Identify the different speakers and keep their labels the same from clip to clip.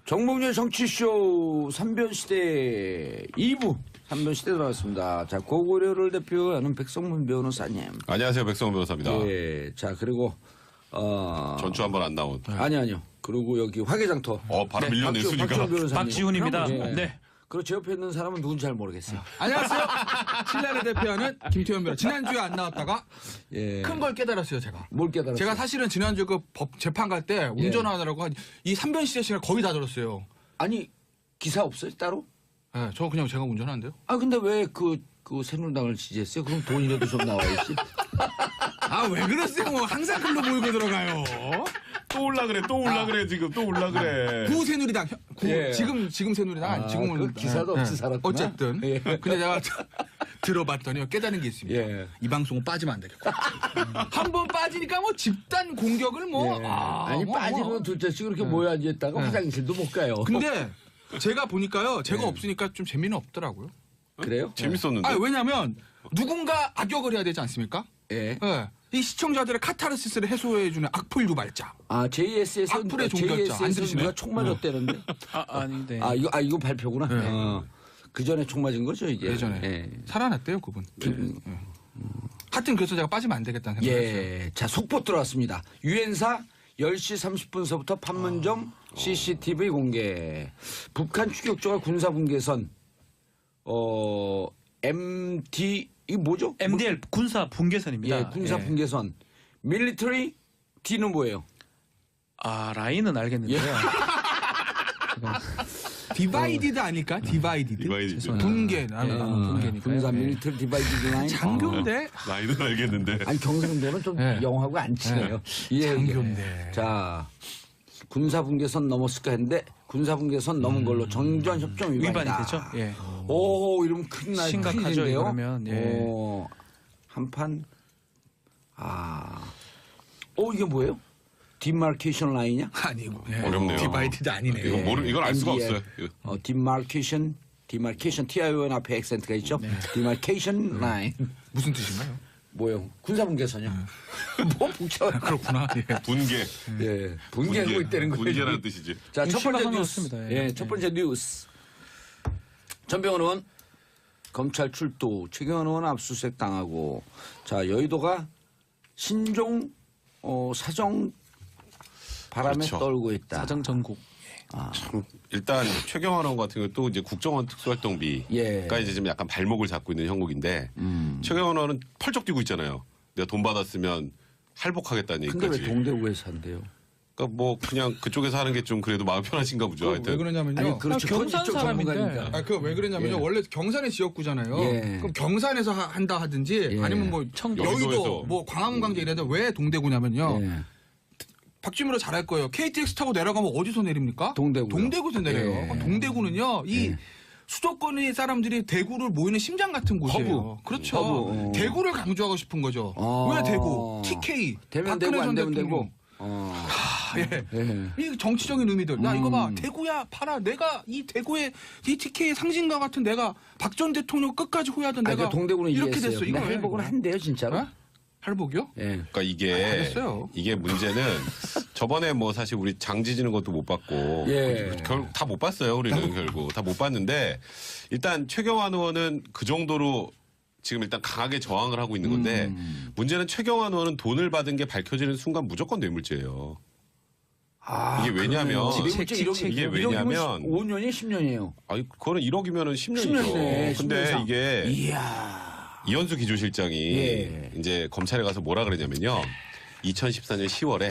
Speaker 1: 정봉재 정치쇼 3변시대 2부 3변시대 들어왔습니다. 자, 고구려를 대표하는 백성문 변호사님.
Speaker 2: 안녕하세요. 백성문 변호사입니다.
Speaker 1: 예. 자, 그리고
Speaker 2: 전주 한번 안 나온.
Speaker 1: 아니요. 그리고 여기 화개장터.
Speaker 2: 바로 밀려냈으니까.
Speaker 1: 박지훈 변호사님.
Speaker 3: 박지훈입니다.
Speaker 1: 예.
Speaker 3: 네.
Speaker 1: 그리고 제 옆에 있는 사람은 누군지 잘 모르겠어요.
Speaker 4: 안녕하세요. 신라를 대표하는 김태현 변호사. 지난주에 안 나왔다가
Speaker 1: 예.
Speaker 4: 큰 걸 깨달았어요, 제가.
Speaker 1: 뭘 깨달았어요?
Speaker 4: 제가 사실은 지난주 그 법 재판 갈 때 운전하느라고 이 3변시대 시간 거의 다 들었어요.
Speaker 1: 아니, 기사 없어요, 따로?
Speaker 4: 네, 저 그냥 제가 운전하는데요.
Speaker 1: 아, 근데 왜 그 새누리당을 지지했어요? 그럼 돈이라도 좀 나와야지.
Speaker 4: 아, 왜 그러세요? 항상 글로 모이고 들어가요.
Speaker 2: 또 올라 그래. 또 올라 그래. 지금 또 올라 그래.
Speaker 4: 구 새누리당.
Speaker 1: 예.
Speaker 4: 지금 새누리당. 아니, 지금은.
Speaker 1: 그 기사도 없이 살았구나.
Speaker 4: 어쨌든.
Speaker 1: 예.
Speaker 4: 근데 제가 들어봤더니 깨달은 게 있습니다.
Speaker 1: 예.
Speaker 4: 이 방송은 빠지면 안 되겠고. 한 번 빠지니까 뭐 집단 공격을 뭐.
Speaker 1: 예.
Speaker 4: 아,
Speaker 1: 아니,
Speaker 4: 뭐,
Speaker 1: 빠지면
Speaker 4: 뭐.
Speaker 1: 둘째씩 이렇게 모여 앉아있다가 화장실도 못 가요.
Speaker 4: 근데 제가 보니까요. 제가 없으니까 좀 재미는 없더라고요.
Speaker 1: 그래요?
Speaker 2: 재밌었는데.
Speaker 4: 아, 왜냐면 누군가 악역을 해야 되지 않습니까?
Speaker 1: 예.
Speaker 4: 예. 이 시청자들의 카타르시스를 해소해주는 악플 유발자.
Speaker 1: 아, JS에서
Speaker 4: 악플의 종결자. 안 들으시나요?
Speaker 1: 누가 총 맞았다는데?
Speaker 3: 아닌데.
Speaker 1: 이거 발표구나.
Speaker 4: 네.
Speaker 1: 그 전에 총 맞은 거죠, 이게?
Speaker 4: 예전에.
Speaker 1: 예.
Speaker 4: 살아났대요, 그분. 하여튼 그래서 제가 빠지면 안 되겠다는 생각을 했어요.
Speaker 1: 예. 자, 속보 들어왔습니다. 유엔사 10시 30분서부터 판문점 CCTV 공개. 북한 추격조가 군사분계선, MD, 이거 뭐죠?
Speaker 3: MDL 군사 분계선입니다.
Speaker 1: 예, 군사 분계선. 밀리터리 D는 뭐예요?
Speaker 3: 라인은 알겠는데요.
Speaker 4: 디바이디드 아닐까? 디바이디드.
Speaker 2: 디바이디드.
Speaker 4: 분개. 나는 분개니까.
Speaker 1: 군사 밀리터리 디바이디드 라인.
Speaker 4: 장교인데?
Speaker 2: 나이는 알겠는데.
Speaker 1: 아니, 경상도는 좀
Speaker 4: 네.
Speaker 1: 영하고 안 친해요. 예,
Speaker 4: 장교인데.
Speaker 1: 자, 군사분계선 넘었을까 했는데 군사분계선 넘은 걸로 정전협정 위반이다.
Speaker 3: 위반이 되죠. 예.
Speaker 1: 오, 이러면 큰일 날
Speaker 3: 심각하죠,
Speaker 1: 큰일인데요.
Speaker 3: 이러면. 예.
Speaker 1: 오, 한판. 이게 뭐예요? 디마케이션 라인이냐?
Speaker 4: 아니고. 예.
Speaker 2: 어렵네요.
Speaker 4: 디바이디드 아니네.
Speaker 2: 이건 알 수가
Speaker 1: MDL.
Speaker 2: 없어요.
Speaker 1: 디마케이션 TION 앞에 액센트가 있죠. 디마케이션 라인.
Speaker 4: 무슨 뜻인가요?
Speaker 1: 뭐요? 군사분계선이요. 뭐 복잡해.
Speaker 4: 그렇구나. 예.
Speaker 2: 분계.
Speaker 1: 예, 분개하고 있다는 거예요.
Speaker 2: 분계라는 뜻이지.
Speaker 1: 자, 첫 번째
Speaker 3: 심각한 것
Speaker 1: 뉴스.
Speaker 3: 같습니다.
Speaker 1: 예,
Speaker 3: 예.
Speaker 1: 첫 번째 뉴스. 전병헌 의원 검찰 출두, 최경환 의원 압수수색 당하고, 자, 여의도가 신종 사정 바람에
Speaker 2: 그렇죠.
Speaker 1: 떨고 있다.
Speaker 3: 사정 전국.
Speaker 2: 참, 일단 최경환 의원 같은 경우 또 이제 국정원 특수활동비가
Speaker 1: 예.
Speaker 2: 이제 좀 약간 발목을 잡고 있는 형국인데 최경환 의원은 펄쩍 뛰고 있잖아요. 내가 돈 받았으면 할복하겠다는
Speaker 1: 근데 왜
Speaker 2: 얘기까지.
Speaker 1: 동대구에서 한대요?
Speaker 2: 그러니까 뭐 그냥 그쪽에서 하는 게 좀 그래도 마음 편하신가 보죠.
Speaker 4: 왜
Speaker 2: 하여튼.
Speaker 4: 그러냐면요.
Speaker 1: 아니, 그렇죠. 그건
Speaker 3: 경산
Speaker 1: 이쪽
Speaker 3: 사람인데.
Speaker 1: 전문가니까.
Speaker 4: 그 왜 그러냐면요.
Speaker 1: 예.
Speaker 4: 원래 경산의 지역구잖아요.
Speaker 1: 예.
Speaker 4: 그럼 경산에서 한다 하든지
Speaker 1: 예.
Speaker 4: 아니면 뭐
Speaker 3: 청도.
Speaker 4: 여의도,
Speaker 2: 여의도에서.
Speaker 4: 뭐 광화문광장 이래도 왜 동대구냐면요.
Speaker 1: 예.
Speaker 4: 박주민으로 잘할 거예요. KTX 타고 내려가면 어디서 내립니까?
Speaker 1: 동대구요.
Speaker 4: 동대구에서 내려요.
Speaker 1: 예.
Speaker 4: 그럼 동대구는요. 이 수도권의 사람들이 대구를 모이는 심장 같은 곳이에요.
Speaker 1: 허브.
Speaker 4: 그렇죠.
Speaker 1: 허브.
Speaker 4: 대구를 강조하고 싶은 거죠.
Speaker 1: 아.
Speaker 4: 왜 대구? TK.
Speaker 1: 되면
Speaker 4: 박근혜
Speaker 1: 되고 안
Speaker 4: 전
Speaker 1: 되면
Speaker 4: 대통령.
Speaker 1: 되고.
Speaker 4: 예.
Speaker 1: 예.
Speaker 4: 이 정치적인 의미들. 야, 이거 봐. 대구야, 봐라. 내가 이 대구의 이 TK의 상징과 같은 내가 박 전 대통령 끝까지 호위하던
Speaker 1: 아니,
Speaker 4: 내가
Speaker 1: 그 동대구는
Speaker 4: 이렇게
Speaker 1: 이해했어요.
Speaker 4: 됐어.
Speaker 1: 근데
Speaker 4: 이거
Speaker 1: 할복은 한대요, 진짜로.
Speaker 4: 어? 할복이요?
Speaker 1: 예.
Speaker 2: 그러니까 이게
Speaker 4: 알겠어요.
Speaker 2: 이게 문제는 저번에 뭐 사실 우리 장지지는 것도 못 봤고
Speaker 1: 예.
Speaker 2: 결국 다 못 봤어요. 우리는 결국 다 못 봤는데 일단 최경환 의원은 그 정도로 지금 일단 강하게 저항을 하고 있는 건데 문제는 최경환 의원은 돈을 받은 게 밝혀지는 순간 무조건 뇌물죄예요. 이게 왜냐면 이게 왜냐면
Speaker 1: 5년이 10년이에요.
Speaker 2: 아니 그거는 1억이면은 10년이죠.
Speaker 1: 10년이네.
Speaker 2: 근데 이게
Speaker 1: 이야.
Speaker 2: 이현수 기조실장이
Speaker 1: 예.
Speaker 2: 이제 검찰에 가서 뭐라 그러냐면요. 2014년 10월에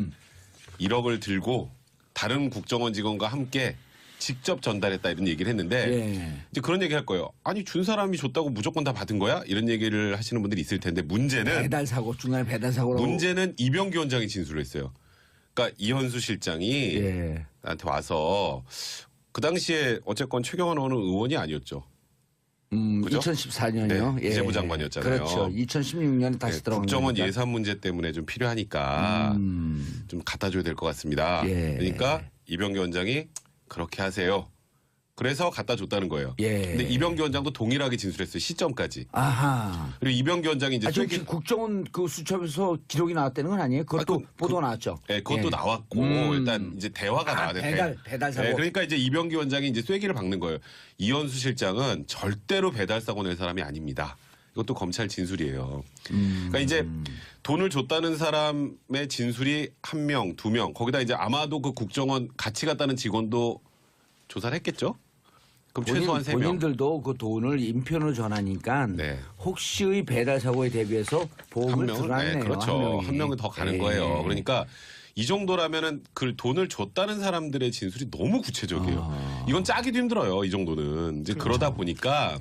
Speaker 2: 1억을 들고 다른 국정원 직원과 함께 직접 전달했다 이런 얘기를 했는데
Speaker 1: 예.
Speaker 2: 이제 그런 얘기 할 거예요. 아니 준 사람이 줬다고 무조건 다 받은 거야? 이런 얘기를 하시는 분들이 있을 텐데 문제는
Speaker 1: 배달 사고 중간에 배달 사고라고.
Speaker 2: 문제는 이병기 원장이 진술을 했어요. 그러니까 이현수 실장이
Speaker 1: 예.
Speaker 2: 나한테 와서 그 당시에 어쨌건 최경환 의원은 의원이 아니었죠. 그죠?
Speaker 1: 2014년이요.
Speaker 2: 네, 기재부 장관이었잖아요.
Speaker 1: 그렇죠. 2016년에 다시
Speaker 2: 네,
Speaker 1: 들어간
Speaker 2: 국정원
Speaker 1: 거니까.
Speaker 2: 예산 문제 때문에 좀 필요하니까 좀 갖다 줘야 될 것 같습니다.
Speaker 1: 예.
Speaker 2: 그러니까 이병기 원장이 그렇게 하세요. 그래서 갖다 줬다는 거예요.
Speaker 1: 예.
Speaker 2: 근데 이병기 원장도 동일하게 진술했어요. 시점까지.
Speaker 1: 아하.
Speaker 2: 그리고 이병기 원장이 이제
Speaker 1: 지금
Speaker 2: 쐐기
Speaker 1: 국정원 그 수첩에서 기록이 나왔다는 건 아니에요? 그것도 보도가 나왔죠.
Speaker 2: 네, 그것도
Speaker 1: 예.
Speaker 2: 나왔고 일단 이제 대화가 나왔는데
Speaker 1: 배달 사고.
Speaker 2: 네, 그러니까 이제 이병기 원장이 이제 쐐기를 박는 거예요. 이현수 실장은 절대로 배달 사고 낼 사람이 아닙니다. 이것도 검찰 진술이에요. 그러니까 이제 돈을 줬다는 사람의 진술이 1명, 2명, 거기다 이제 아마도 그 국정원 같이 갔다는 직원도 조사를 했겠죠? 그럼 최소한 3명.
Speaker 1: 본인들도 그 돈을 인편으로 전하니까
Speaker 2: 네.
Speaker 1: 혹시의 배달 사고에 대비해서 보험을 들어놨네요.
Speaker 2: 네, 그렇죠.
Speaker 1: 한
Speaker 2: 한 명은 더 가는
Speaker 1: 예.
Speaker 2: 거예요. 그러니까 이 정도라면은 그 돈을 줬다는 사람들의 진술이 너무 구체적이에요. 이건 짜기도 힘들어요. 이 정도는 이제 그러다 보니까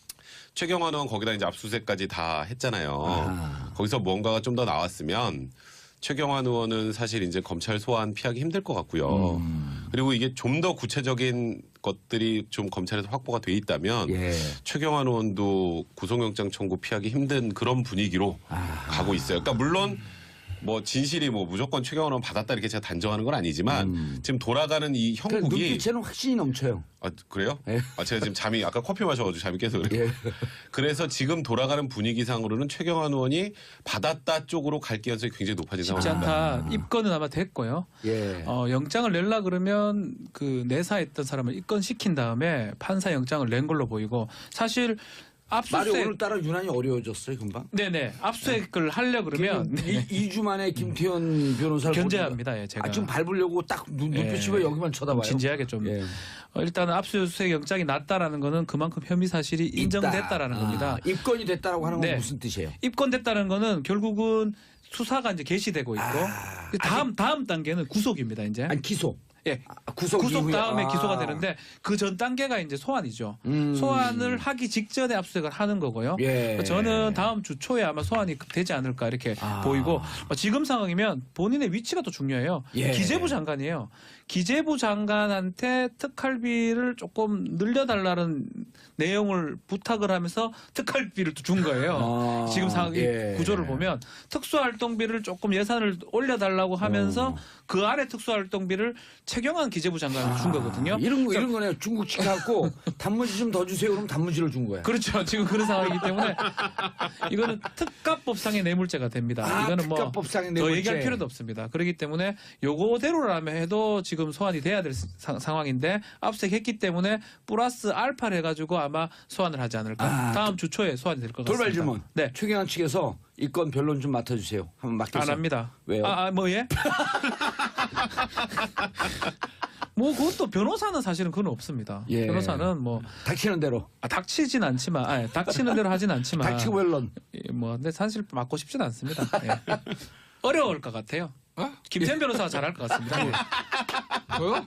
Speaker 2: 최경환 의원 거기다 이제 압수수색까지 다 했잖아요. 거기서 뭔가가 좀 더 나왔으면 최경환 의원은 사실 이제 검찰 소환 피하기 힘들 것 같고요. 그리고 이게 좀 더 구체적인 것들이 좀 검찰에서 확보가 돼 있다면
Speaker 1: 예.
Speaker 2: 최경환 의원도 구속영장 청구 피하기 힘든 그런 분위기로 가고 있어요. 그러니까 물론 뭐 진실이 뭐 무조건 최경환 의원 받았다 이렇게 제가 단정하는 건 아니지만 지금 돌아가는 이
Speaker 1: 그러니까
Speaker 2: 형국이
Speaker 1: 눈빛에는 확신이 넘쳐요.
Speaker 2: 아, 그래요?
Speaker 1: 예.
Speaker 2: 아, 제가 지금 잠이 아까 커피 마셔가지고 잠이 깨서 그래요.
Speaker 1: 예.
Speaker 2: 그래서 지금 돌아가는 분위기상으로는 최경환 의원이 받았다 쪽으로 갈 가능성이 굉장히 높아진
Speaker 3: 쉽지
Speaker 2: 상황입니다.
Speaker 3: 않다. 입건은 아마 됐고요.
Speaker 1: 예.
Speaker 3: 영장을 내려 그러면 그 내사했던 사람을 입건시킨 다음에 판사 영장을 낸 걸로 보이고 사실
Speaker 1: 말이
Speaker 3: 압수수색
Speaker 1: 오늘따라 유난히 어려워졌어요, 금방.
Speaker 3: 네네 압수수색을 하려 그러면
Speaker 1: 2주 만에 김태현 변호사를
Speaker 3: 견제합니다. 예, 제가
Speaker 1: 지금 밟으려고 딱 눈빛이 왜 여기만 쳐다봐요?
Speaker 3: 진지하게 좀
Speaker 1: 예.
Speaker 3: 일단은 압수수색 영장이 났다라는 거는 그만큼 혐의 사실이 인정됐다라는 겁니다.
Speaker 1: 입건이 됐다라고 하는 건
Speaker 3: 네.
Speaker 1: 무슨 뜻이에요?
Speaker 3: 입건됐다는 거는 결국은 수사가 이제 개시되고 있고 다음 단계는 구속입니다. 이제
Speaker 1: 아니 기소.
Speaker 3: 예.
Speaker 1: 구속 이후에.
Speaker 3: 다음에 기소가 되는데 그 전 단계가 이제 소환이죠. 소환을 하기 직전에 압수수색을 하는 거고요.
Speaker 1: 예.
Speaker 3: 저는 다음 주 초에 아마 소환이 되지 않을까 이렇게 보이고 지금 상황이면 본인의 위치가 더 중요해요.
Speaker 1: 예.
Speaker 3: 기재부 장관이에요. 기재부 장관한테 특활비를 조금 늘려달라는 내용을 부탁을 하면서 특활비를 또 준 거예요. 지금 상황
Speaker 1: 예.
Speaker 3: 구조를 보면 특수활동비를 조금 예산을 올려달라고 하면서 그 안에 특수활동비를 최경환 기재부 장관을 준 거거든요.
Speaker 1: 이런 거네요. 중국식 갖고 단무지 좀 더 주세요. 그럼 단무지를 준 거야.
Speaker 3: 그렇죠. 지금 그런 상황이기 때문에 이거는 특가법상의 뇌물죄가 됩니다. 이거는 뭐
Speaker 1: 특가법상의
Speaker 3: 더
Speaker 1: 뇌물죄.
Speaker 3: 얘기할 필요도 없습니다. 그렇기 때문에 요거대로라면 해도 지금 소환이 돼야 될 상황인데 압수수색했기 때문에 플러스 알파를 해가지고 아마 소환을 하지 않을까. 다음 주 초에 소환이 될 것 같습니다.
Speaker 1: 돌발 질문.
Speaker 3: 네.
Speaker 1: 최경환 측에서 이 건 변론 좀 맡아주세요. 한번 맡겠어요.
Speaker 3: 안 합니다.
Speaker 1: 왜요?
Speaker 3: 뭐 예? 뭐 그것도 변호사는 사실은 그건 없습니다.
Speaker 1: 예.
Speaker 3: 변호사는 뭐
Speaker 1: 닥치는 대로.
Speaker 3: 닥치진 않지만, 닥치는 대로 하진 않지만.
Speaker 1: 닥치고 변론.
Speaker 3: 뭐 근데 사실 맡고 싶진 않습니다. 예. 어려울 것 같아요. 김태현 변호사가 잘할 것 같습니다. 예.
Speaker 4: 저요?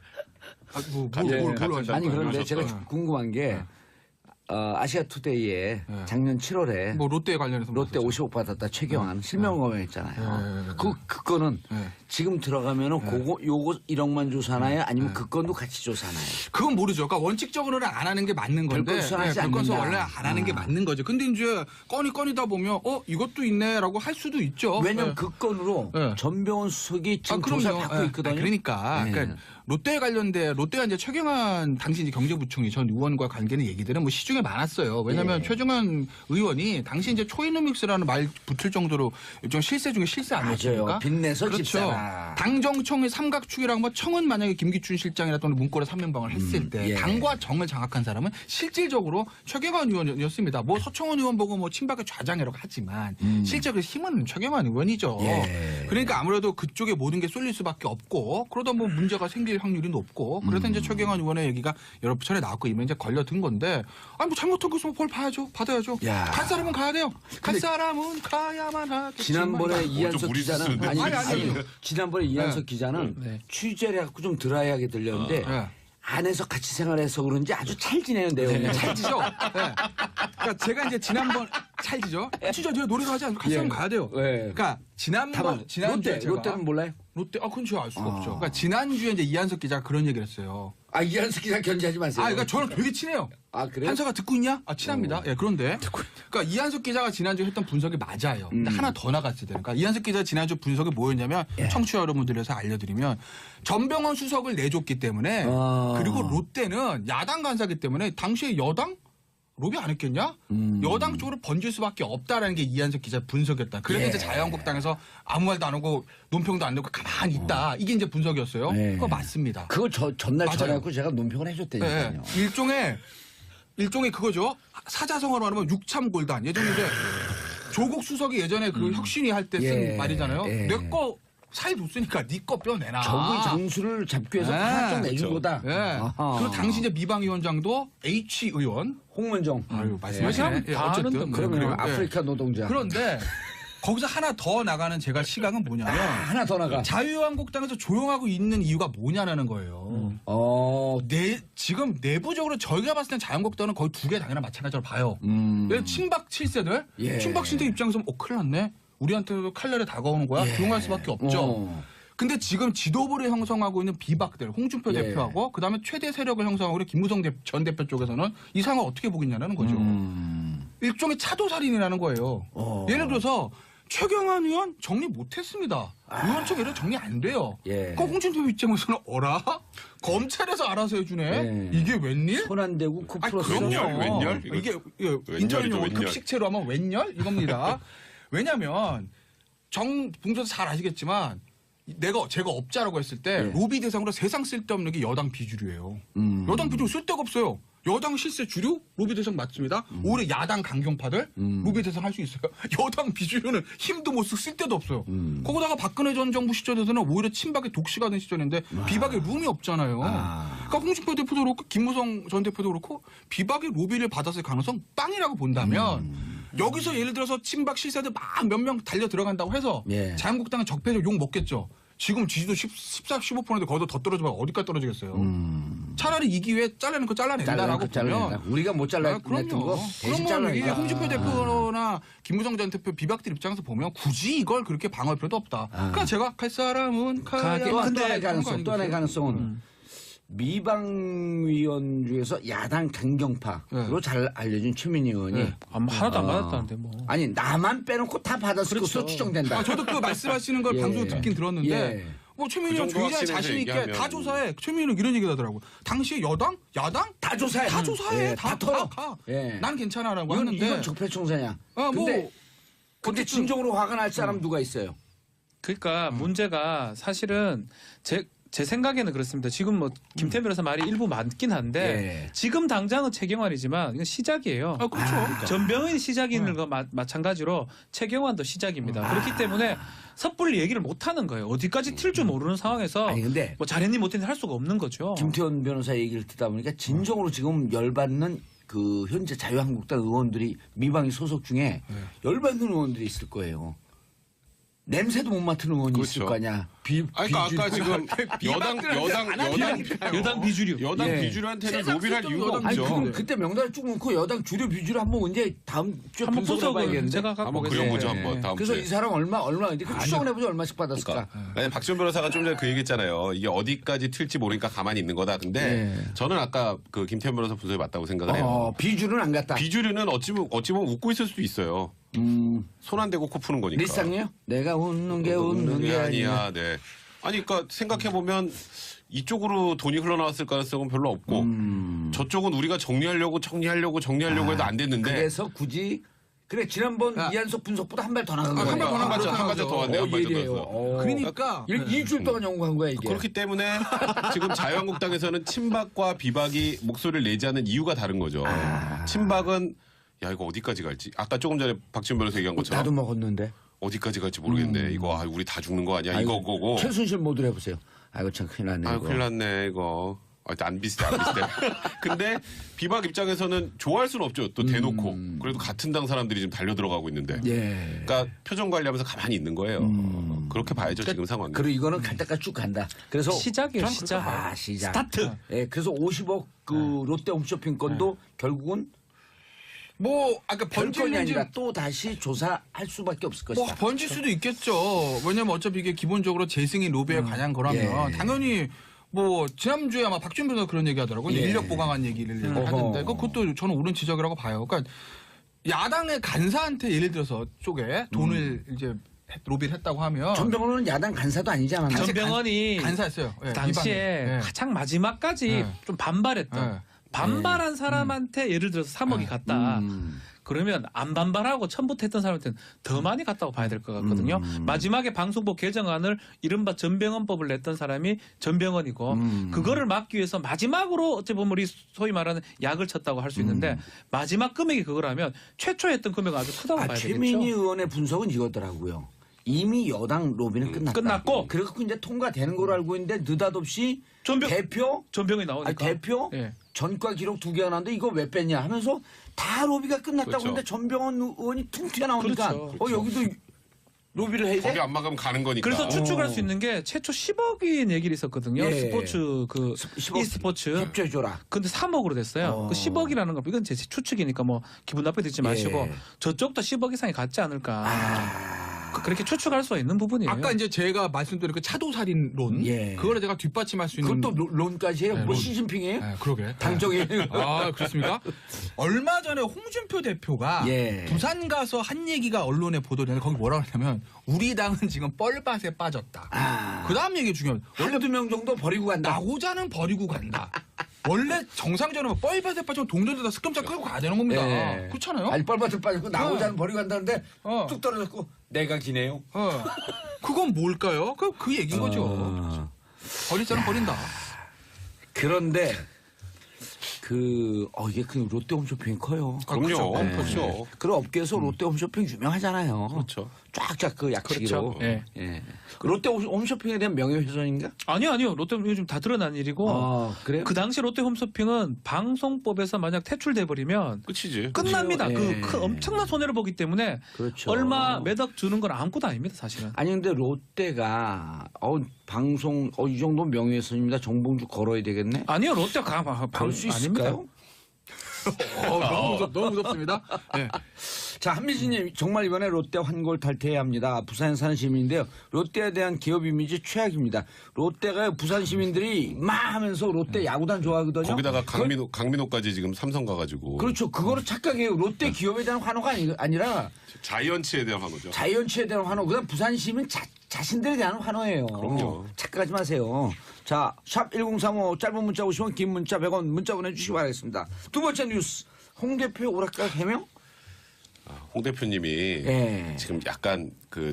Speaker 1: 아니 그런데
Speaker 2: 하셨어요.
Speaker 1: 제가 궁금한 게 아시아투데이에 작년 7월에
Speaker 4: 뭐 롯데에 관련해서
Speaker 1: 롯데
Speaker 4: 뭐
Speaker 1: 50억 받았다 최경환 실명 검열했잖아요. 그거는
Speaker 4: 네.
Speaker 1: 지금 들어가면은 요거 1억만 조사나요? 아니면 그 건도 같이 조사나요?
Speaker 4: 그건 모르죠. 그러니까 원칙적으로는 안 하는 게 맞는 건데
Speaker 1: 별건 수사하지
Speaker 4: 별건 수사
Speaker 1: 않는다.
Speaker 4: 원래 안 하는 게 맞는 거죠. 근데 이제 꺼니다 보면 이것도 있네라고 할 수도 있죠.
Speaker 1: 왜냐면
Speaker 4: 네.
Speaker 1: 그 건으로
Speaker 4: 네.
Speaker 1: 전병훈 수석이 지금
Speaker 4: 그럼요.
Speaker 1: 조사를 받고
Speaker 4: 예.
Speaker 1: 있거든요.
Speaker 4: 그러니까,
Speaker 1: 네.
Speaker 4: 그러니까 롯데에 관련된 롯데가 이제 최경환 당시 이제 경제부총리 전 의원과 관계는 얘기들은 뭐 시중에 많았어요. 왜냐하면
Speaker 1: 네.
Speaker 4: 최경환 의원이 당시 이제 초이노믹스라는 말 붙을 정도로 일종 실세 중에 실세 아니었습니까?
Speaker 1: 맞아요. 빚내서
Speaker 4: 그렇죠.
Speaker 1: 집사라.
Speaker 4: 당정청의 삼각축이라고 뭐 청은 만약에 김기춘 실장이나 또는 문고리 3면방을 했을 때
Speaker 1: 예.
Speaker 4: 당과 정을 장악한 사람은 실질적으로 최경환 의원이었습니다. 뭐 서청원 의원 보고 뭐 친박의 좌장이라고 하지만 실제로 힘은 최경환 의원이죠.
Speaker 1: 예.
Speaker 4: 그러니까 아무래도 그쪽에 모든 게 쏠릴 수밖에 없고 그러다 뭐 문제가 생길 확률이 높고 그래서 이제 최경환 의원의 얘기가 여러 차례 나왔고 이면 이제 걸려든 건데 아니 뭐 잘못한 거 있으면 벌 봐야죠. 받아야죠.
Speaker 1: 야.
Speaker 4: 갈 사람은 가야 돼요. 갈 사람은 가야만 하겠지만
Speaker 1: 지난번에 이한석
Speaker 2: 무리
Speaker 1: 기자는
Speaker 2: 짓는데.
Speaker 4: 아니.
Speaker 1: 지난번에 이한석 기자는
Speaker 3: 네.
Speaker 1: 취재를 해갖고 좀 드라이하게 들렸는데
Speaker 4: 네.
Speaker 1: 안에서 같이 생활해서 그런지 아주 찰지네요 내용이.
Speaker 4: 찰지죠. 네. 그러니까 제가 이제 지난번 찰지죠. 진짜 제가 노래를 하지 않고 갈 사람 가야 돼요.
Speaker 1: 네.
Speaker 4: 그러니까 지난주에 제가
Speaker 1: 롯데는 몰라요?
Speaker 4: 롯데 그건 제가 알 수가 없죠. 그러니까 지난주에 이제 이한석 기자가 그런 얘기를 했어요.
Speaker 1: 아, 이한수 기자 견제하지 마세요.
Speaker 4: 그러니까 저랑 되게 친해요.
Speaker 1: 아, 그래요?
Speaker 4: 한서가 듣고 있냐? 친합니다. 예, 그런데 그러니까 이한석 기자가 지난주에 했던 분석이 맞아요. 근데 하나 더 나갔을 때. 그러니까 이한석 기자 지난주 분석이 뭐였냐면 청취자 여러분들에서 알려드리면 전병헌 수석을 내줬기 때문에 그리고 롯데는 야당 간사기 때문에 당시에 여당 로비 안 했겠냐? 여당 쪽으로 번질 수밖에 없다라는 게 이한석 기자 분석이었다. 그래서 이제 자유한국당에서 아무 말도 안 하고 논평도 안 내고 가만히 있다. 이게 이제 분석이었어요. 그거 맞습니다.
Speaker 1: 그거 전날
Speaker 4: 맞아요.
Speaker 1: 전화하고 제가 논평을 해줬다니까요.
Speaker 4: 일종의 그거죠. 사자성어로 말하면 육참골단. 예전에 이제 조국 수석이 예전에 그 혁신위 할 때 쓴 말이잖아요. 내 거 사이 뒀으니까 네 거 뼈내놔.
Speaker 1: 적의 장수를 잡기 위해서 하나 좀 내준 거다.
Speaker 4: 그 당시 이제 미방위원장도 H 의원.
Speaker 1: 홍문정.
Speaker 4: 아유, 말씀하시네.
Speaker 3: 다 아는데
Speaker 1: 그러면
Speaker 4: 그래요.
Speaker 1: 아프리카 노동자.
Speaker 4: 그런데 거기서 하나 더 나가는 제가 시각은 뭐냐면
Speaker 1: 하나 더 나가.
Speaker 4: 자유한국당에서 조용하고 있는 이유가 뭐냐라는 거예요. 지금 내부적으로 저희가 봤을 땐 자유한국당은 거의 두 개 당연한 마찬가지로 봐요. 친박 7세들, 친박 신세 입장에서 큰일 났네. 우리한테도 칼날에 다가오는 거야. 조용할 수밖에 없죠. 근데 지금 지도부를 형성하고 있는 비박들, 홍준표 대표하고 그다음에 최대 세력을 형성하고 있는 김무성 전 대표 쪽에서는 이 상황을 어떻게 보겠냐는 거죠. 일종의 차도살인이라는 거예요. 예를 들어서 최경환 의원 정리 못했습니다. 의원총 예를 정리 안 돼요. 그럼 홍준표 입장에서는 어라? 검찰에서 알아서 해주네? 이게 웬일?
Speaker 1: 손 안 대고 코 풀었어.
Speaker 2: 웬열?
Speaker 4: 이게
Speaker 2: 웬열이죠,
Speaker 4: 인터넷용
Speaker 2: 웬열.
Speaker 4: 급식체로 하면 웬열? 이겁니다. 왜냐면 봉조도 잘 아시겠지만 제가 업자라고 했을 때 로비 대상으로 세상 쓸데없는 게 여당 비주류예요. 여당 비주류 쓸데가 없어요. 여당 실세 주류 로비 대상 맞습니다. 오히려 야당 강경파들 로비 대상 할 수 있어요. 여당 비주류는 힘도 못 쓰고 쓸데도 없어요. 거기다가 박근혜 전 정부 시절에서는 오히려 친박의 독시가 된 시절인데 비박의 룸이 없잖아요. 그러니까 홍준표 대표도 그렇고 김무성 전 대표도 그렇고 비박의 로비를 받았을 가능성 빵이라고 본다면 여기서 예를 들어서 친박 실세들 막 몇 명 달려 들어간다고 해서 자유한국당은 적폐적 욕 먹겠죠. 지금 지지도 14, 15%인데 거기서 더 떨어지면 어디까지 떨어지겠어요. 차라리 이 기회에 잘라는 거 잘라낸다라고 보면
Speaker 1: 우리가 못 잘라냈던
Speaker 4: 그럼요.
Speaker 1: 거 대신
Speaker 4: 그러면 이게
Speaker 1: 잘라낸다.
Speaker 4: 홍준표 대표나 김무성 전 대표 비박들 입장에서 보면 굳이 이걸 그렇게 방어할 필요도 없다. 그러니까 제가 갈 사람은 가야
Speaker 1: 또
Speaker 4: 한다.
Speaker 1: 하나의 가능성, 또 하나의 가능성은 미방위원 중에서 야당 강경파로 잘 알려진 최민희 의원이
Speaker 3: 하나도 안 받았다는데 뭐.
Speaker 1: 아니 나만 빼놓고 다 받았을 것으로 추정된다.
Speaker 4: 저도 그 말씀하시는 걸 방송에 듣긴 들었는데 뭐 최민희 의원
Speaker 2: 그 정도
Speaker 4: 굉장히 자신 있게
Speaker 2: 얘기하면.
Speaker 4: 다 조사해. 최민희 의원 이런 얘기 하더라고요. 당시에 여당, 야당
Speaker 1: 다 조사해.
Speaker 4: 다 조사해.
Speaker 1: 다
Speaker 4: 다
Speaker 1: 털어.
Speaker 4: 가.
Speaker 1: 예.
Speaker 4: 난 괜찮아라고
Speaker 1: 이건
Speaker 4: 하는데
Speaker 1: 적폐청사냐.
Speaker 4: 뭐
Speaker 1: 근데
Speaker 4: 어쨌든
Speaker 1: 진정으로 화가 날 사람 누가 있어요?
Speaker 3: 그러니까 문제가 사실은 제 생각에는 그렇습니다. 지금 뭐 김태현 변호사 말이 일부 맞긴 한데 지금 당장은 최경환이지만 이건 시작이에요.
Speaker 4: 그렇죠.
Speaker 3: 전병헌이 시작인 거 마찬가지로 최경환도 시작입니다. 그렇기 때문에 섣불리 얘기를 못 하는 거예요. 어디까지 튈 줄 모르는 상황에서
Speaker 1: 아니 근데
Speaker 3: 뭐 잘했니 못했니 할 수가 없는 거죠.
Speaker 1: 김태현 변호사 얘기를 듣다 보니까 진정으로 지금 열받는 그 현재 자유한국당 의원들이 미방위 소속 중에 열받는 의원들이 있을 거예요. 냄새도 못 맡은 의원이 있을
Speaker 2: 그렇죠.
Speaker 1: 거 아니야.
Speaker 2: 그러니까 아까 지금
Speaker 3: 여당 비주류.
Speaker 2: 여당
Speaker 1: 예.
Speaker 2: 비주류한테는 로비를 할 이유가
Speaker 1: 아니
Speaker 2: 없죠.
Speaker 1: 그럼 그때 명단을 쭉 놓고 여당 주류 비주류 한번 언제 다음 주에
Speaker 3: 한번
Speaker 1: 분석을
Speaker 3: 분석을
Speaker 1: 해봐야겠는데.
Speaker 3: 제가 갖고
Speaker 2: 한번
Speaker 3: 오겠습니다.
Speaker 2: 그려보죠
Speaker 3: 예.
Speaker 2: 한번 다음
Speaker 1: 그래서
Speaker 2: 주에.
Speaker 1: 이 사람 얼마 이제 그 추정을 해보죠 얼마씩 받았을까.
Speaker 2: 아니, 박지원 변호사가 좀 전에 그 얘기했잖아요. 이게 어디까지 튈지 모르니까 가만히 있는 거다. 근데 저는 아까 그 김태현 변호사 분석이 맞다고 생각을 해요.
Speaker 1: 비주류는 안 갔다.
Speaker 2: 비주류는 어찌 보면 웃고 있을 수도 있어요. 손 안 대고 코 푸는 거니까.
Speaker 1: 리쌍이요? 내가 웃는 게 웃는 게 아니야.
Speaker 2: 네. 아니 그러니까 생각해 보면 이쪽으로 돈이 흘러나왔을 가능성은 별로 없고 저쪽은 우리가 정리하려고 해도 안 됐는데
Speaker 1: 그래서 굳이 그래 지난번 이한석 분석보다 한 발 더 나간 거야.
Speaker 4: 한 발 더 나간
Speaker 2: 한 발짝 더 왔네. 한 발짝 더 왔어.
Speaker 4: 그러니까
Speaker 1: 일주일 동안 연구한 거야 이게.
Speaker 2: 그렇기 때문에 지금 자유한국당에서는 친박과 비박이 목소리를 내지 않는 이유가 다른 거죠. 친박은 야 이거 어디까지 갈지 아까 조금 전에 박지원 변호사 얘기한 것처럼
Speaker 1: 나도 먹었는데.
Speaker 2: 어디까지 갈지 모르겠네. 이거 우리 다 죽는 거 아니야? 이거 거고.
Speaker 1: 최순실 모드로 해보세요. 아이고 참 큰일 났네.
Speaker 2: 아유
Speaker 1: 이거.
Speaker 2: 큰일 났네 이거. 안 비슷해. 근데 비박 입장에서는 좋아할 수는 없죠. 또 대놓고. 그래도 같은 당 사람들이 지금 달려 들어가고 있는데. 그러니까 표정 관리하면서 가만히 있는 거예요. 그렇게 봐야죠 지금 상황.
Speaker 1: 그리고 이거는 갈 때까지 쭉 간다. 그래서
Speaker 3: 시작이에요, 시작.
Speaker 1: 시작.
Speaker 3: 스타트.
Speaker 1: 예, 그래서 50억 그 롯데 홈쇼핑 건도 결국은
Speaker 4: 뭐 아까
Speaker 1: 별건이
Speaker 4: 번지는지
Speaker 1: 아니라 또 다시 조사할 수밖에 없을
Speaker 4: 뭐
Speaker 1: 것이다.
Speaker 4: 번질 수도 있겠죠. 왜냐면 어차피 이게 기본적으로 재승인 로비에 관한 거라면 당연히 뭐 지난주에 아마 박준 변호사 그런 얘기하더라고요.
Speaker 1: 예.
Speaker 4: 인력 보강한 얘기를 하던데 그것도 저는 옳은 지적이라고 봐요. 그러니까 야당의 간사한테 예를 들어서 쪽에 돈을 이제 로비를 했다고 하면
Speaker 1: 전병헌은 야당 간사도 아니지 않았나?
Speaker 3: 전병헌이
Speaker 4: 간사였어요. 예,
Speaker 3: 당시에
Speaker 4: 이방인. 예.
Speaker 3: 가장 마지막까지
Speaker 4: 예.
Speaker 3: 좀 반발했던
Speaker 4: 예.
Speaker 3: 반발한 사람한테 예를 들어서 3억이 갔다. 그러면 안 반발하고 처음부터 했던 사람한테는 더 많이 갔다고 봐야 될 것 같거든요. 마지막에 방송법 개정안을 이른바 전병헌법을 냈던 사람이 전병헌이고 그거를 막기 위해서 마지막으로 어찌 보면 우리 소위 말하는 약을 쳤다고 할 수 있는데 마지막 금액이 그거라면 최초 했던 금액은 아주 크다고 봐야 되겠죠.
Speaker 1: 최민희 의원의 분석은 이거더라고요. 이미 여당 로비는 끝났다.
Speaker 3: 끝났고.
Speaker 1: 그래갖고 이제 통과되는 걸로 알고 있는데 느닷없이 대표
Speaker 3: 전병이 나오니까.
Speaker 1: 아니, 대표
Speaker 3: 예.
Speaker 1: 전과 기록 2개가 나왔는데 이거 왜 뺐냐 하면서 다 로비가 끝났다고
Speaker 2: 그렇죠.
Speaker 1: 하는데 전병헌 의원이 퉁 튀어나오니까
Speaker 3: 그렇죠.
Speaker 1: 여기도 로비를 해야
Speaker 2: 거기
Speaker 1: 돼?
Speaker 2: 안 막으면 가는 거니까.
Speaker 3: 그래서 추측할 수 있는 게 최초 10억인 얘기를 있었거든요.
Speaker 1: 예.
Speaker 3: 스포츠 그
Speaker 1: 10억
Speaker 3: e스포츠.
Speaker 1: 협조해줘라.
Speaker 3: 근데 3억으로 됐어요. 그 10억이라는 거 이건 제 추측이니까 뭐 기분 나쁘게 듣지 마시고
Speaker 1: 예.
Speaker 3: 저쪽도 10억 이상이 갔지 않을까. 그렇게 추측할 수 있는 부분이에요.
Speaker 4: 아까 이제 제가 말씀드린 그 차도살인론
Speaker 1: 예.
Speaker 4: 그거를 제가 뒷받침할 수 있는
Speaker 1: 그것도 론까지 해요?
Speaker 4: 네,
Speaker 1: 뭐
Speaker 4: 론.
Speaker 1: 시진핑이에요?
Speaker 4: 네, 그러게.
Speaker 1: 당정이에요?
Speaker 4: 아, 그렇습니까? 얼마 전에 홍준표 대표가
Speaker 1: 예.
Speaker 4: 부산 가서 한 얘기가 언론에 보도되는데 거기 뭐라고 했냐면 우리 당은 지금 뻘밭에 빠졌다. 그 다음 얘기 중요해요.
Speaker 1: 한두 명 정도 버리고 간다.
Speaker 4: 나고자는 버리고 간다. 원래 정상적으로 뻘밭에 빠지면 동전에다 습격자 끌고 가야 되는 겁니다.
Speaker 1: 예.
Speaker 4: 그렇잖아요?
Speaker 1: 아니 뻘밭을 빠지고 나고자는 버리고 간다는데
Speaker 4: 어.
Speaker 1: 뚝 떨어졌고 내가 기네요.
Speaker 4: 그건 뭘까요? 그 얘기인 거죠. 버릴 자는 버린다.
Speaker 1: 그런데 이게 그 롯데 홈쇼핑이 커요.
Speaker 2: 그럼요.
Speaker 4: 그렇죠.
Speaker 2: 그렇죠.
Speaker 1: 그런 업계에서 롯데 홈쇼핑 유명하잖아요.
Speaker 2: 그렇죠.
Speaker 1: 쫙쫙 그 약치기로.
Speaker 3: 그렇죠. 예.
Speaker 1: 예. 롯데 홈쇼핑에 대한 명예훼손인가?
Speaker 3: 아니요. 롯데 요즘 다 드러난 일이고
Speaker 1: 그래요?
Speaker 3: 그 당시 롯데 홈쇼핑은 방송법에서 만약 퇴출돼 버리면
Speaker 2: 끝이지.
Speaker 3: 끝납니다.
Speaker 1: 그렇죠. 예.
Speaker 3: 그 엄청난 손해를 보기 때문에
Speaker 1: 그렇죠.
Speaker 3: 얼마 매덕 주는 건 아무것도 아닙니다, 사실은.
Speaker 1: 아니 근데 롯데가 방송 이 정도 명예훼손입니다. 정봉주 걸어야 되겠네.
Speaker 3: 아니요, 롯데가
Speaker 1: 걸 수
Speaker 3: 아닙니다.
Speaker 1: 있을까요?
Speaker 4: 너무 무섭습니다. 네.
Speaker 1: 자, 한미진님 정말 이번에 롯데 환골 탈퇴해야 합니다. 부산에 사는 시민인데요. 롯데에 대한 기업 이미지 최악입니다. 롯데가 부산 시민들이 막 하면서 롯데 야구단 좋아하거든요.
Speaker 2: 거기다가 강민호까지 지금 삼성 가가지고.
Speaker 1: 그렇죠. 그거를 착각해요. 롯데 기업에 대한 환호가 아니라
Speaker 2: 자이언츠에 대한 환호죠.
Speaker 1: 자이언츠에 대한 환호. 그다음 부산 시민 자신들에 대한 환호예요.
Speaker 2: 그럼요.
Speaker 1: 착각하지 마세요. 자, 샵 1035 짧은 문자 50원, 긴 문자 100원 문자 보내주시기 바라겠습니다. 두 번째 뉴스. 홍 대표 오락가 해명?
Speaker 2: 홍 대표님이
Speaker 1: 예.
Speaker 2: 지금 약간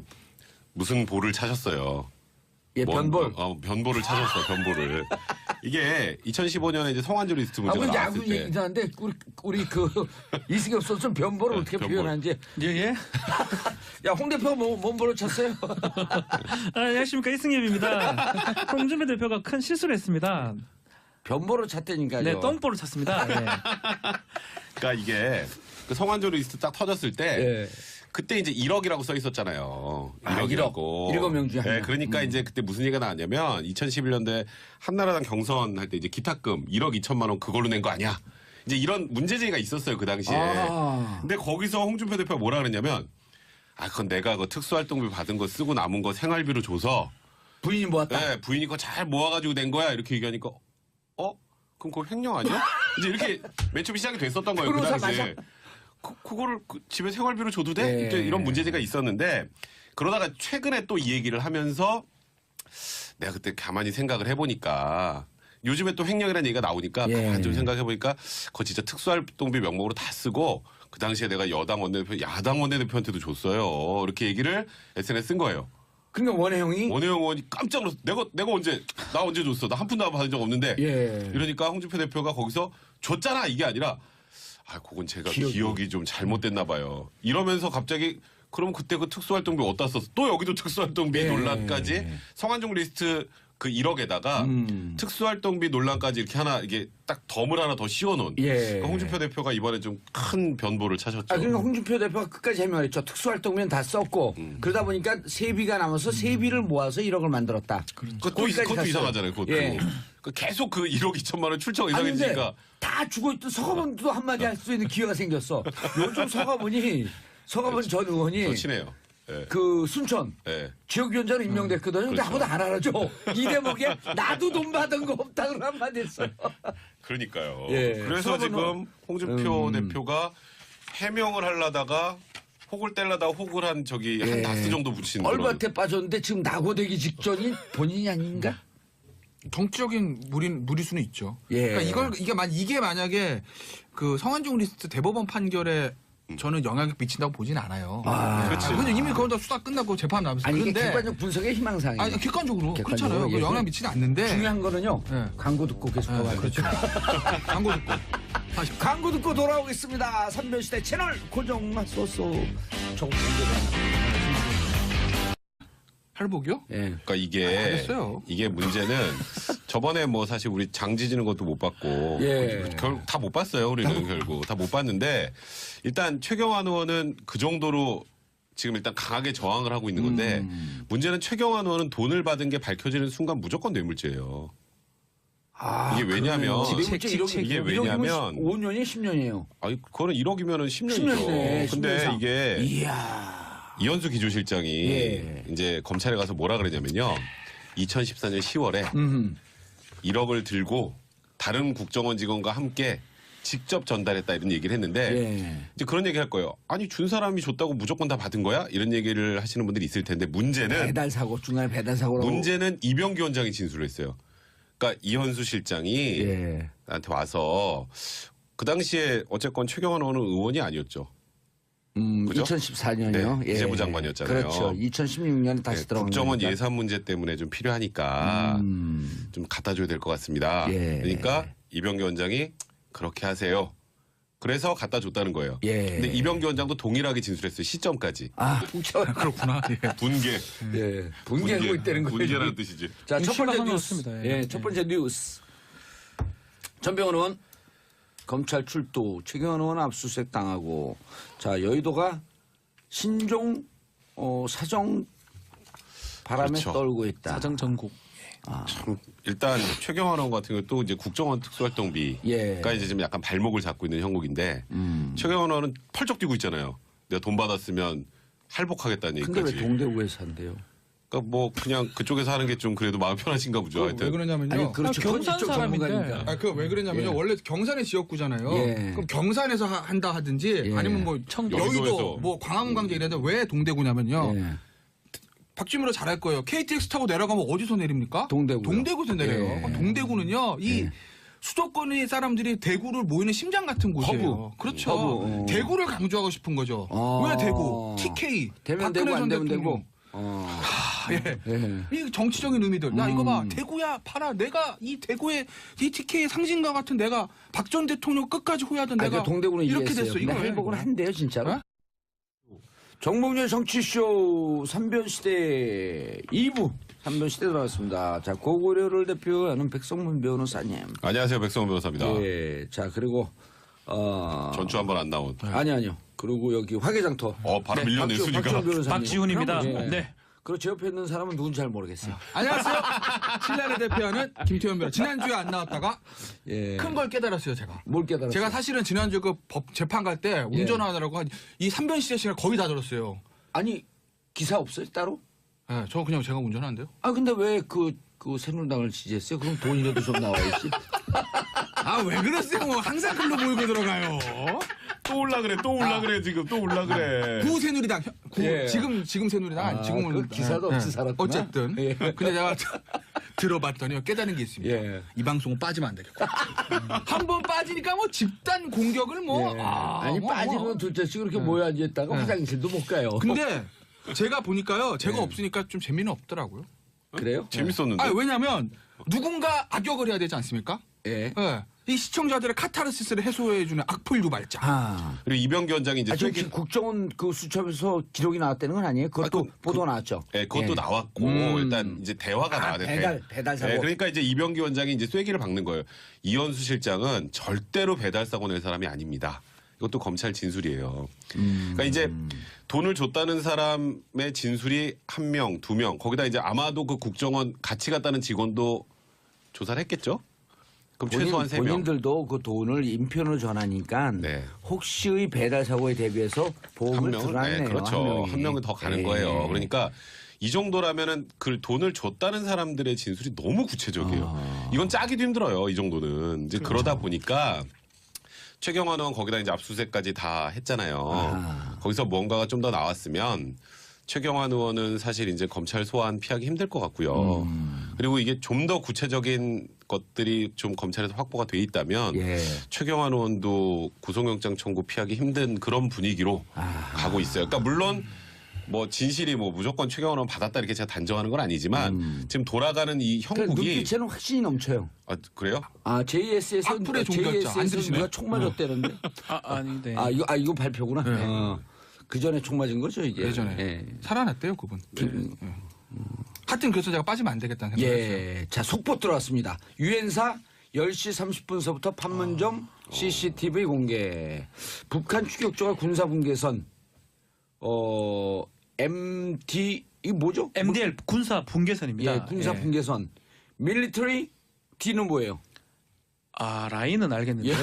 Speaker 2: 무슨 볼을 차셨어요.
Speaker 1: 예, 변볼.
Speaker 2: 변보를 찾았어, 변보를. 이게 2015년에 이제 성완조 리스트 문제가
Speaker 1: 이제
Speaker 2: 나왔을
Speaker 1: 야구
Speaker 2: 때.
Speaker 1: 얘기하는데 우리 이승엽 선수는 변보를 어떻게
Speaker 2: 변볼.
Speaker 1: 표현하는지.
Speaker 3: 예.
Speaker 1: 야, 홍 대표 뭔 볼을 쳤어요?
Speaker 3: 안녕하십니까, 이승엽입니다. 홍준표 대표가 큰 실수를 했습니다.
Speaker 1: 변보를 찼다니까요.
Speaker 3: 네, 똥볼을 찼습니다. 예.
Speaker 2: 그러니까 이게 그 성완조 리스트 딱 터졌을 때
Speaker 1: 예.
Speaker 2: 그때 이제 1억이라고 써 있었잖아요.
Speaker 1: 아,
Speaker 2: 1억이라고.
Speaker 1: 일곱 명 중에 한
Speaker 2: 네,
Speaker 1: 명.
Speaker 2: 그러니까 이제 그때 무슨 얘기가 나왔냐면 2011년도에 한나라당 경선 할 때 이제 기탁금 1억 2천만 원 그걸로 낸 거 아니야. 이제 이런 문제제기가 있었어요, 그 당시에. 근데 거기서 홍준표 대표가 뭐라 그랬냐면 그건 내가 그 특수활동비 받은 거 쓰고 남은 거 생활비로 줘서
Speaker 1: 부인이 모았다.
Speaker 2: 네, 부인이 그거 잘 모아가지고 낸 거야. 이렇게 얘기하니까 그럼 그거 횡령 아니야? 이제 이렇게 맨 처음 시작이 됐었던 거예요, 그
Speaker 1: 변호사
Speaker 2: 당시에. 그거를 집에 생활비로 줘도 돼?
Speaker 1: 네.
Speaker 2: 이제 이런 문제제가 있었는데 그러다가 최근에 또 이 얘기를 하면서 내가 그때 가만히 생각을 해보니까 요즘에 또 횡령이라는 얘기가 나오니까
Speaker 1: 예.
Speaker 2: 가만히 좀 생각해보니까 그거 진짜 특수활동비 명목으로 다 쓰고 그 당시에 내가 여당 원내대표, 야당 원내대표한테도 줬어요. 이렇게 얘기를 SNS에 쓴 거예요.
Speaker 1: 그러니까 원혜영이
Speaker 2: 원혜영 의원이 깜짝 놀랐어. 내가 나 언제 줬어? 나 한 푼도 안 받은 적 없는데.
Speaker 1: 예.
Speaker 2: 이러니까 홍준표 대표가 거기서 줬잖아 이게 아니라 그건 제가 기억이 좀 잘못됐나 봐요. 이러면서 갑자기 그럼 그때 그 특수활동비 어디다 썼어? 또 여기도 특수활동비
Speaker 1: 예.
Speaker 2: 논란까지 성완종 리스트 그 1억에다가 특수활동비 논란까지 이렇게 하나 이게 딱 덤을 하나 더 씌워놓은.
Speaker 1: 예.
Speaker 2: 그러니까 홍준표 대표가 이번에 좀 큰 변보를 차셨죠.
Speaker 1: 그러니까 홍준표 대표가 끝까지 해명을 했죠. 특수활동비는 다 썼고 그러다 보니까 세비가 남아서 세비를 모아서 1억을 만들었다.
Speaker 2: 그것도
Speaker 1: 거기까지 갔어요.
Speaker 2: 이상하잖아요. 그것도.
Speaker 1: 예.
Speaker 2: 계속 그 1억 2천만 원 출처가
Speaker 1: 아니 근데
Speaker 2: 이상해지니까.
Speaker 1: 다 죽어있던 서가본도 한마디 할 수 있는 기회가 생겼어. 요즘 서가본 전 의원이
Speaker 2: 저 친해요. 예.
Speaker 1: 그 순천
Speaker 2: 예.
Speaker 1: 지역위원장으로 임명됐거든요. 근데
Speaker 2: 그렇죠.
Speaker 1: 아무도 안 알아줘. 이 대목에 나도 돈 받은 거 없다고 한마디 했어요.
Speaker 2: 그러니까요.
Speaker 1: 예.
Speaker 2: 그래서
Speaker 1: 그러면은-
Speaker 2: 지금 홍준표 대표가 해명을 하려다가 혹을 떼려다가 혹을 한 저기 한 다스 정도 붙이는 그런.
Speaker 1: 얼마태 빠졌는데 지금 낙오되기 직전인 본인이 아닌가?
Speaker 4: 정치적인 무리수는 있죠.
Speaker 1: 예.
Speaker 4: 그러니까 이게 만약에 그 성한종 리스트 대법원 판결에 저는 영향을 미친다고 보진 않아요.
Speaker 1: 아.
Speaker 2: 그렇지.
Speaker 4: 근데 이미 그건 다 수사 끝나고 재판 나면서
Speaker 1: 아니 이게
Speaker 4: 그런데
Speaker 1: 객관적 분석의 희망사항이에요.
Speaker 4: 아니 객관적으로
Speaker 1: 객관적으로
Speaker 4: 그렇잖아요.
Speaker 1: 얘기해서
Speaker 4: 영향 미치지 않는데
Speaker 1: 중요한 거는요.
Speaker 4: 네.
Speaker 1: 광고 듣고 계속 가봐야
Speaker 4: 그렇죠. 광고 듣고 다시
Speaker 1: 광고 듣고 돌아오겠습니다. 삼변시대 채널 고정하소서. 조금 문제가.
Speaker 4: 할복이요?
Speaker 1: 예.
Speaker 2: 그러니까 이게
Speaker 4: 알겠어요.
Speaker 2: 이게 문제는 저번에 뭐 사실 우리 장 지지는 것도 못 봤고
Speaker 1: 예.
Speaker 2: 결국 다 못 봤어요. 우리는 결국 다 못 봤는데 일단 최경환 의원은 그 정도로 지금 일단 강하게 저항을 하고 있는 건데 문제는 최경환 의원은 돈을 받은 게 밝혀지는 순간 무조건 뇌물죄예요.
Speaker 1: 아,
Speaker 2: 이게 왜냐면 이게 왜냐면
Speaker 1: 5년이 10년이에요.
Speaker 2: 아니 그거는 1억이면은 10년이죠.
Speaker 1: 10년이네.
Speaker 2: 근데 이게
Speaker 1: 이야.
Speaker 2: 이현수 기조실장이
Speaker 1: 예.
Speaker 2: 이제 검찰에 가서 뭐라 그랬냐면요. 2014년 10월에
Speaker 1: 음.
Speaker 2: 1억을 들고 다른 국정원 직원과 함께 직접 전달했다 이런 얘기를 했는데
Speaker 1: 예.
Speaker 2: 이제 그런 얘기 할 거예요. 아니 준 사람이 줬다고 무조건 다 받은 거야? 이런 얘기를 하시는 분들이 있을 텐데 문제는
Speaker 1: 배달 사고 중간에 배달 사고라고.
Speaker 2: 문제는 이병기 원장이 진술을 했어요. 그러니까 이현수 실장이
Speaker 1: 예.
Speaker 2: 나한테 와서 그 당시에 어쨌건 최경환 의원은 의원이 아니었죠. 그죠?
Speaker 1: 2014년이요.
Speaker 2: 네, 기재부 장관이었잖아요.
Speaker 1: 그렇죠. 2016년에 다시
Speaker 2: 네,
Speaker 1: 들어간
Speaker 2: 국정원
Speaker 1: 거니까.
Speaker 2: 예산 문제 때문에 좀 필요하니까 좀 갖다 줘야 될 것 같습니다.
Speaker 1: 예.
Speaker 2: 그러니까 이병기 원장이 그렇게 하세요. 그래서 갖다 줬다는 거예요.
Speaker 1: 예.
Speaker 2: 근데 이병기 원장도 동일하게 진술했어요. 시점까지.
Speaker 1: 아, 저,
Speaker 4: 그렇구나. 예.
Speaker 2: 분개.
Speaker 1: 예. 분개하고 있다는 거예요.
Speaker 2: 분개라는 뜻이지.
Speaker 1: 자, 첫 번째
Speaker 3: 심각한 것
Speaker 1: 뉴스.
Speaker 3: 같습니다.
Speaker 1: 예,
Speaker 3: 예.
Speaker 1: 첫 번째 뉴스. 전병헌 의원 검찰 출두, 최경환 의원 압수수색 당하고, 자, 여의도가 신종 사정 바람에
Speaker 2: 그렇죠.
Speaker 1: 떨고 있다.
Speaker 3: 사정 전국.
Speaker 2: 참 일단 최경환 의원 같은 경우 또 이제 국정원 특수활동비가
Speaker 1: 예.
Speaker 2: 이제 지금 약간 발목을 잡고 있는 형국인데 최경환 의원은 펄쩍 뛰고 있잖아요. 내가 돈 받았으면 할복하겠다는
Speaker 1: 근데 왜
Speaker 2: 얘기까지.
Speaker 1: 동대구에서 한대요?
Speaker 2: 그러니까 뭐 그냥 그쪽에서 하는 게 좀 그래도 마음 편하신가 보죠.
Speaker 4: 왜
Speaker 2: 하여튼.
Speaker 4: 그러냐면요.
Speaker 1: 아니, 그렇죠.
Speaker 3: 아, 경산
Speaker 1: 그건 이쪽
Speaker 3: 사람인데.
Speaker 1: 전문가니까.
Speaker 4: 왜 그러냐면요.
Speaker 1: 예.
Speaker 4: 원래 경산의 지역구잖아요.
Speaker 1: 예.
Speaker 4: 그럼 경산에서 한다 하든지
Speaker 1: 예.
Speaker 4: 아니면 뭐
Speaker 3: 청도.
Speaker 4: 여의도
Speaker 2: 여의도에서.
Speaker 4: 뭐 광화문 광장 이랬는데 왜 동대구냐면요.
Speaker 1: 예.
Speaker 4: 박주민으로 잘 알 거예요. KTX 타고 내려가면 어디서 내립니까?
Speaker 1: 동대구요.
Speaker 4: 동대구에서 내려요.
Speaker 1: 예.
Speaker 4: 그럼 동대구는요. 이
Speaker 1: 예.
Speaker 4: 수도권의 사람들이 대구를 모이는 심장 같은 곳이에요.
Speaker 1: 허브.
Speaker 4: 그렇죠.
Speaker 1: 허브.
Speaker 4: 대구를 강조하고 싶은 거죠.
Speaker 1: 어.
Speaker 4: 왜 대구? TK.
Speaker 1: 되면
Speaker 4: 박근혜
Speaker 1: 되고 안
Speaker 4: 전
Speaker 1: 되면
Speaker 4: 대통령.
Speaker 1: 되고.
Speaker 4: 예.
Speaker 1: 예.
Speaker 4: 이 정치적인 의미들. 야 이거 봐. 대구야 봐라. 내가 이 대구의 이 TK의 상징과 같은 내가 박 전 대통령 끝까지 호위하던
Speaker 1: 아,
Speaker 4: 내가
Speaker 1: 그 동대구는
Speaker 4: 이렇게
Speaker 1: 이해했어요.
Speaker 4: 됐어.
Speaker 1: 근데
Speaker 4: 이거
Speaker 1: 회복은 한대요, 진짜로.
Speaker 4: 어?
Speaker 1: 정봉재 정치쇼 3변시대 2부 3변시대 들어왔습니다. 자, 고구려를 대표하는 백성문 변호사님.
Speaker 2: 안녕하세요. 백성원 변호사입니다.
Speaker 1: 예. 자, 그리고
Speaker 2: 전주 한번 안 나온.
Speaker 1: 아니요. 그리고 여기 화개장터.
Speaker 2: 바로 밀려냈으니까.
Speaker 1: 박지훈 변호사님.
Speaker 3: 박지훈입니다.
Speaker 1: 예.
Speaker 3: 네.
Speaker 1: 그리고 제 옆에 있는 사람은 누군지 잘 모르겠어요.
Speaker 4: 안녕하세요. 신라를 대표하는 김태현 변호사. 지난주에 안 나왔다가
Speaker 1: 예.
Speaker 4: 큰 걸 깨달았어요, 제가.
Speaker 1: 뭘 깨달았어요?
Speaker 4: 제가 사실은 지난주 그 법 재판 갈 때 운전하느라고 이 3변시대 시간 거의 다 들었어요.
Speaker 1: 아니, 기사 없어요, 따로?
Speaker 4: 예, 저 그냥 제가 운전하는데요.
Speaker 1: 아, 근데 왜 그 새누리당을 지지했어요? 그럼 돈이라도 좀 나와야지.
Speaker 4: 아, 왜 그랬어요? 뭐 항상 글로 몰고 들어가요.
Speaker 2: 또 올라 그래. 또 올라 그래. 지금 또 올라 그래.
Speaker 4: 구 새누리당.
Speaker 1: 예.
Speaker 4: 지금 새누리당 아니 지금은
Speaker 1: 그 기사도 없이 살았구나.
Speaker 4: 어쨌든.
Speaker 1: 예.
Speaker 4: 근데 제가 들어봤더니 깨달은 게 있습니다.
Speaker 1: 예.
Speaker 4: 이 방송은 빠지면 안 되겠고. 한 번 빠지니까 뭐 집단 공격을 뭐.
Speaker 1: 예.
Speaker 4: 아,
Speaker 1: 아니,
Speaker 4: 뭐,
Speaker 1: 빠지면
Speaker 4: 뭐.
Speaker 1: 둘째씩 이렇게 모여 앉아있다가 화장실도 못 가요.
Speaker 4: 근데 제가 보니까요. 제가 없으니까 좀 재미는 없더라고요.
Speaker 1: 그래요?
Speaker 2: 재밌었는데.
Speaker 4: 아, 왜냐면 누군가 악역을 해야 되지 않습니까?
Speaker 1: 예.
Speaker 4: 예. 이 시청자들의 카타르시스를 해소해주는 악플 유발자.
Speaker 1: 아.
Speaker 2: 그리고 이병기 원장이 이제
Speaker 1: 저
Speaker 2: 쐐기-
Speaker 1: 국정원 그 수첩에서 기록이 나왔다는 건 아니에요? 그것도 보도 나왔죠.
Speaker 2: 네, 그것도
Speaker 1: 예.
Speaker 2: 나왔고 일단 이제 대화가 나왔는데
Speaker 1: 배달 사고.
Speaker 2: 그러니까 이제 이병기 원장이 이제 쐐기를 박는 거예요. 이현수 실장은 절대로 배달 사고 낼 사람이 아닙니다. 이것도 검찰 진술이에요. 그러니까 이제 돈을 줬다는 사람의 진술이 1명, 2명, 거기다 이제 아마도 그 국정원 같이 갔다는 직원도 조사를 했겠죠. 그럼 최소한 3명.
Speaker 1: 본인들도 그 돈을 인편으로 전하니까
Speaker 2: 네.
Speaker 1: 혹시의 배달 사고에 대비해서
Speaker 2: 한
Speaker 1: 보험을
Speaker 2: 명은
Speaker 1: 들어놨네요.
Speaker 2: 그렇죠. 한 명은 더 가는
Speaker 1: 예.
Speaker 2: 거예요. 그러니까 이 정도라면은 그 돈을 줬다는 사람들의 진술이 너무 구체적이에요. 이건 짜기도 힘들어요. 이 정도는 이제 그러다 보니까 최경환 의원 거기다 이제 압수수색까지 다 했잖아요. 거기서 뭔가가 좀 더 나왔으면 최경환 의원은 사실 이제 검찰 소환 피하기 힘들 것 같고요. 그리고 이게 좀 더 구체적인 것들이 좀 검찰에서 확보가 돼 있다면
Speaker 1: 예.
Speaker 2: 최경환 의원도 구속영장 청구 피하기 힘든 그런 분위기로 가고 있어요. 그러니까 물론 뭐 진실이 뭐 무조건 최경환 의원 받았다 이렇게 제가 단정하는 건 아니지만 지금 돌아가는 이
Speaker 1: 그
Speaker 2: 형국이
Speaker 1: 눈빛에는 확신이 넘쳐요.
Speaker 2: 아 그래요?
Speaker 1: 아 JS에서
Speaker 4: 악플의 종교였죠. 안 들으시나요?
Speaker 1: 누가 총 맞았다는데.
Speaker 3: 아니, 네.
Speaker 1: 이거 발표구나. 그 전에 총 맞은 거죠 이게.
Speaker 4: 예전에
Speaker 1: 예.
Speaker 4: 살아났대요 그분. 하여튼 그래서 제가 빠지면 안 되겠다는 생각했어요.
Speaker 1: 예. 자, 속보 들어왔습니다. 유엔사 10시 30분서부터 판문점 CCTV 공개. 북한 추격조가 군사분계선 MD 이거 뭐죠?
Speaker 3: MDL 군사 분계선입니다.
Speaker 1: 예, 군사 분계선. 밀리터리 D는 뭐예요?
Speaker 3: 라인은 알겠는데요.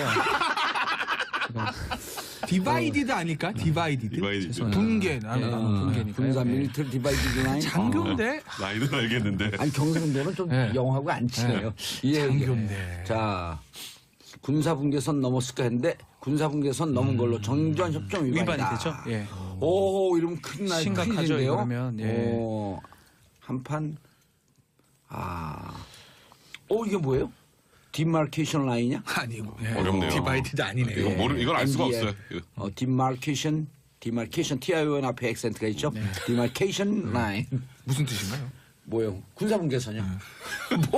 Speaker 4: 디바이디드 아닐까? 디바이디드.
Speaker 2: 디바이디드.
Speaker 4: 분개. 나는
Speaker 3: 분계니까요.
Speaker 1: 군사
Speaker 3: 네.
Speaker 1: 밀리터리 디바이디드 라인.
Speaker 4: 장교인데
Speaker 2: 나이는 알겠는데.
Speaker 1: 아니 경상도는 좀
Speaker 4: 네.
Speaker 1: 영하고 안 친해요. 예,
Speaker 4: 장교인데.
Speaker 1: 자, 군사 분계선 넘었을까 했는데 군사 분계선 넘은 걸로 정전 협정 위반이다.
Speaker 3: 위반이 되죠. 예.
Speaker 1: 오, 이러면 큰일 날
Speaker 3: 심각하죠,
Speaker 1: 큰일인데요.
Speaker 3: 이러면, 예.
Speaker 1: 오, 한판 이게 뭐예요? 디마케이션 라인이냐?
Speaker 4: 아니고. 예.
Speaker 2: 어렵네요.
Speaker 4: 디바이디드 아니네요.
Speaker 2: 이건 알 수가
Speaker 1: MDL.
Speaker 2: 없어요.
Speaker 1: 디마케이션 TION 앞에 액센트가 있죠. 디마케이션 라인.
Speaker 4: 무슨 뜻인가요?
Speaker 1: 뭐요? 군사 분계선이요.